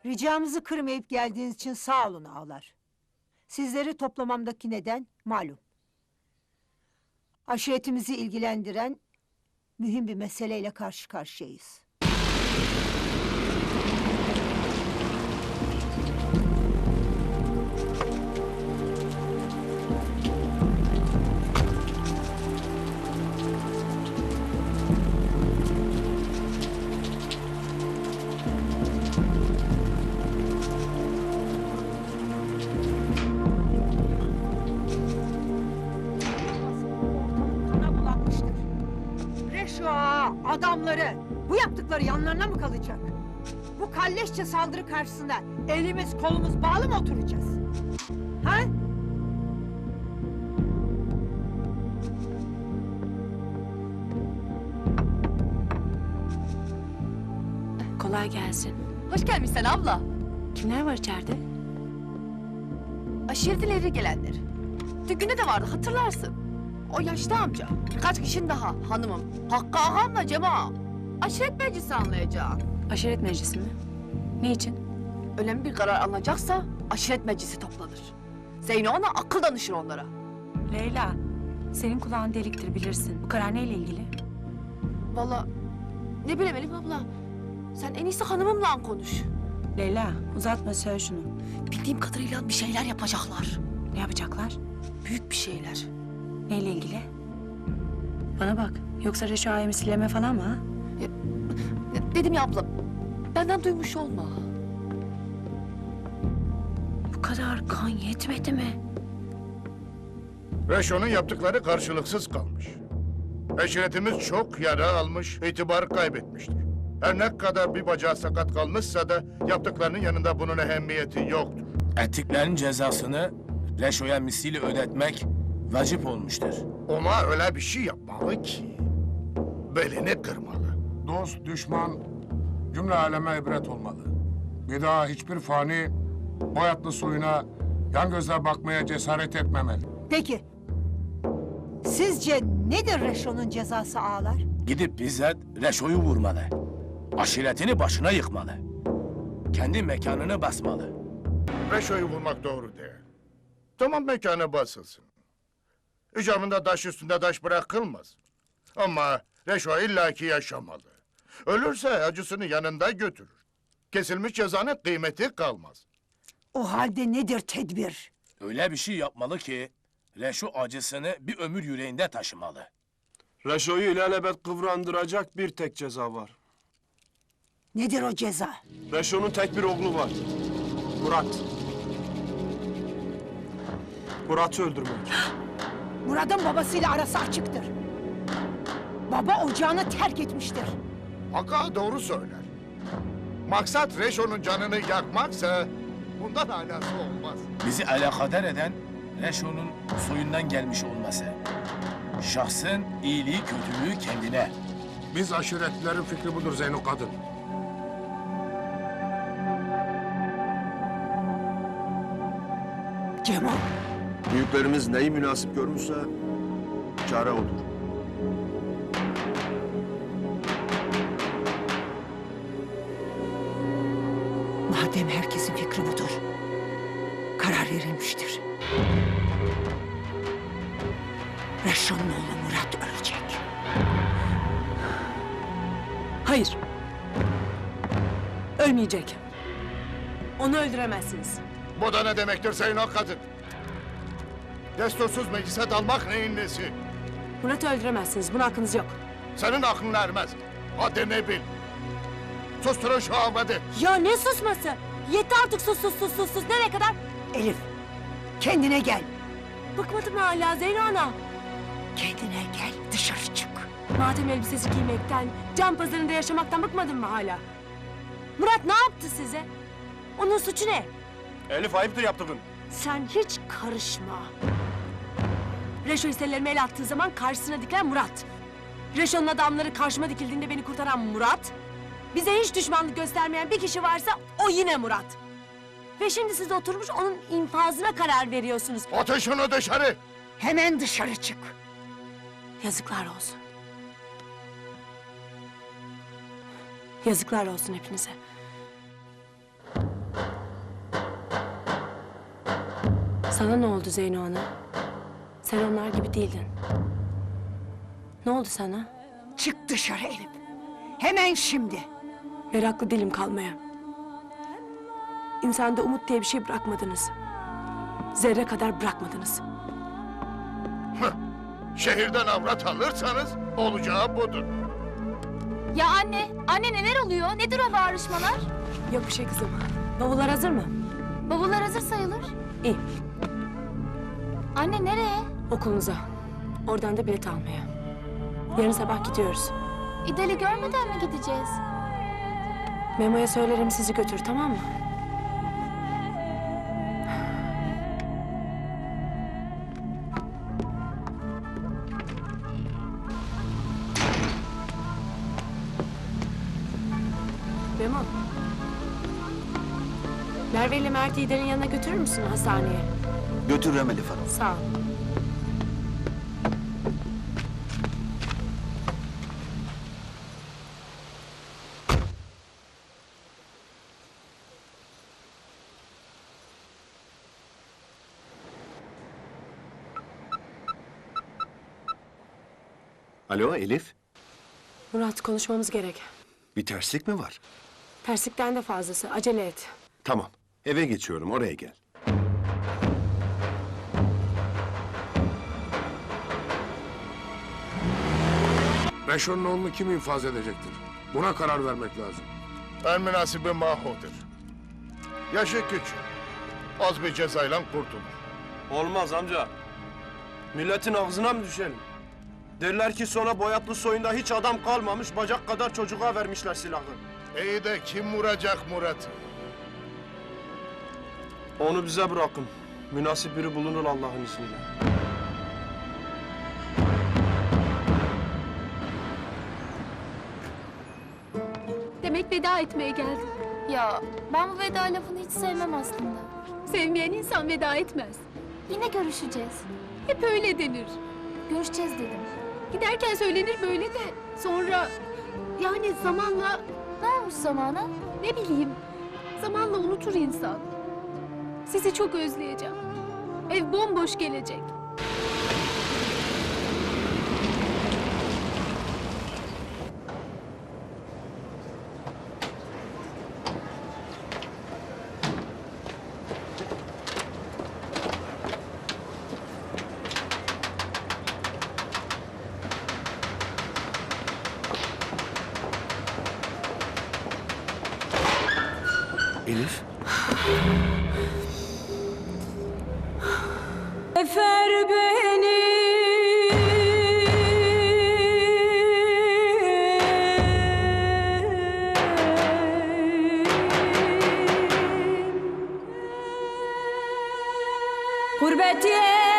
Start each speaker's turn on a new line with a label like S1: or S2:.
S1: Ricamızı kırmayıp geldiğiniz için sağ olun ağalar. Sizleri toplamamdaki neden malum. Aşiretimizi ilgilendiren mühim bir meseleyle karşı karşıyayız. Adamları, bu yaptıkları yanlarına mı kalacak? Bu kalleşçe saldırı karşısında elimiz kolumuz bağlı mı oturacağız? Ha?
S2: Kolay gelsin.
S3: Hoş gelmişsin abla.
S2: Kimler var içeride?
S3: Aşiretin ileri gelenler. Düğünde de vardı hatırlarsın. O yaşlı amca. Birkaç kişinin daha hanımım. Hakkı ağamla Cema. Aşiret meclisi anlayacağım.
S2: Aşiret meclisi mi? Ne için?
S3: Önemli bir karar alınacaksa aşiret meclisi toplanır. Zeyno ona akıl danışır onlara.
S2: Leyla, senin kulağın deliktir bilirsin. Bu karar neyle ilgili?
S3: Vallahi ne bileyim Elif abla. Sen en iyisi hanımımla konuş.
S2: Leyla, uzatma söyle şunu.
S3: Bildiğim kadarıyla bir şeyler yapacaklar.
S2: Ne yapacaklar?
S3: Büyük bir şeyler.
S2: Neyle ilgili? Bana bak, yoksa Reşo Ağa'yı misilleme falan mı ha?
S3: Dedim ya abla, benden duymuş olma.
S2: Bu kadar kan yetmedi mi?
S4: Reşo'nun yaptıkları karşılıksız kalmış. Eşiretimiz çok yara almış, itibar kaybetmiştir. Her ne kadar bir bacağı sakat kalmışsa da yaptıklarının yanında bunun ehemmiyeti yoktur.
S5: Ettiklerin cezasını Reşo'ya misli ödetmek vacip olmuştur.
S4: Ona öyle bir şey yapmalı ki belini kırmalı.
S6: Dost, düşman, cümle aleme ibret olmalı. Bir daha hiçbir fani boyatlı suyuna yan gözle bakmaya cesaret etmemeli.
S1: Peki, sizce nedir Reşo'nun cezası ağalar?
S5: Gidip bizzat Reşo'yu vurmalı. Aşiretini başına yıkmalı. Kendi mekanını basmalı.
S4: Reşo'yu vurmak doğru değil. Tamam, mekanı basılsın. İcabında taş üstünde taş bırakılmaz. Ama Reşo illaki yaşamalı. Ölürse acısını yanında götürür. Kesilmiş cezanın kıymeti kalmaz.
S1: O halde nedir tedbir?
S5: Öyle bir şey yapmalı ki Reşo acısını bir ömür yüreğinde taşımalı.
S7: Reşo'yu ilelebet kıvrandıracak bir tek ceza var.
S1: Nedir o ceza?
S7: Reşo'nun tek bir oğlu var. Murat. Murat'ı öldürmek.
S1: Murat'ın babasıyla arası açıktır. Baba ocağını terk etmiştir.
S4: Hakkı doğru söyler. Maksat Reşo'nun canını yakmaksa bundan alası olmaz.
S5: Bizi alakadar eden Reşo'nun soyundan gelmiş olması. Şahsın iyiliği kötülüğü kendine.
S6: Biz aşiretlilerin fikri budur Zeyno kadın.
S1: Cemal,
S8: Büyüklerimiz neyi münasip görmüşse çare odur.
S1: madem herkesin fikri budur, karar verilmiştir. Reşo'nun oğlu Murat ölecek.
S2: Hayır. Ölmeyecek. Onu öldüremezsiniz.
S4: Bu da ne demektir Zeyno kadın? Destursuz meclise dalmak neyin nesi?
S2: Murat'ı öldüremezsiniz. Buna hakkınız yok.
S4: Senin aklın ermez. Hadi ne bil. Susturun şu Ahmet'i.
S2: Ya ne susması? Yetti artık sus. Nereye kadar?
S1: Elif, kendine gel.
S2: Bıkmadın mı hala Zeyno ana?
S1: Kendine gel, dışarı çık.
S2: Matem elbisesi giymekten, can pazarında yaşamaktan bıkmadın mı hala? Murat ne yaptı size? Onun suçu ne?
S7: Elif ayıptır yaptığın.
S2: Sen hiç karışma. Reşo hisselerime el attığı zaman karşısına dikilen Murat. Reşo'nun adamları karşıma dikildiğinde beni kurtaran Murat. Bize hiç düşmanlık göstermeyen bir kişi varsa o yine Murat. Ve şimdi siz oturmuş onun infazına karar veriyorsunuz.
S4: Atın şunu dışarı.
S1: Hemen dışarı çık.
S2: Yazıklar olsun. Yazıklar olsun hepinize. Sana ne oldu Zeyno Ana? Sen onlar gibi değildin. Ne oldu sana?
S1: Çık dışarı Elif. Hemen şimdi.
S2: Meraklı değilim kalmaya. İnsanda umut diye bir şey bırakmadınız. Zerre kadar bırakmadınız.
S4: Şehirden avrat alırsanız olacağı budur.
S3: Ya anne neler oluyor? Nedir o bağırışmalar?
S2: Yok bir şey kızım. Bavullar hazır mı?
S3: Bavullar hazır sayılır.
S2: İyi.
S3: Anne nereye?
S2: Okulunuza. Oradan da bilet almaya. Yarın sabah gidiyoruz.
S3: İdal'i görmeden mi gideceğiz?
S2: Memo'ya söylerim sizi götür, tamam mı? Memo. Merve ile Mert'i İdal'in yanına götürür müsün hastaneye?
S8: Götürürüm Elif Hanım.
S2: Sağ ol.
S8: Alo Elif.
S2: Murat, konuşmamız gerek.
S8: Bir terslik mi var?
S2: Terslikten de fazlası. Acele et.
S8: Tamam. Eve geçiyorum. Oraya gel.
S6: Reşo'nun oğlunu kim infaz edecektir? Buna karar vermek lazım.
S4: En münasibi Maho'dur. Yaşı küçük. Az bir cezayla kurtulur.
S7: Olmaz amca. Milletin ağzına mı düşelim? Derler ki sonra Boyatlı soyunda hiç adam kalmamış, bacak kadar çocuğa vermişler silahı.
S4: İyi de kim vuracak Murat'ı?
S7: Onu bize bırakın. Münasip biri bulunur Allah'ın izniyle.
S9: Demek veda etmeye geldin.
S3: Ya ben bu veda lafını hiç sevmem aslında.
S9: Sevmeyen insan veda etmez.
S3: Yine görüşeceğiz.
S9: Hep öyle denir.
S3: Görüşeceğiz dedim.
S9: Giderken söylenir böyle de sonra yani zamanla
S3: Ne olmuş zamana?
S9: ne bileyim zamanla unutur insan. Sizi çok özleyeceğim. Ev bomboş gelecek.
S8: Elif.
S2: Efer beni. Gurbet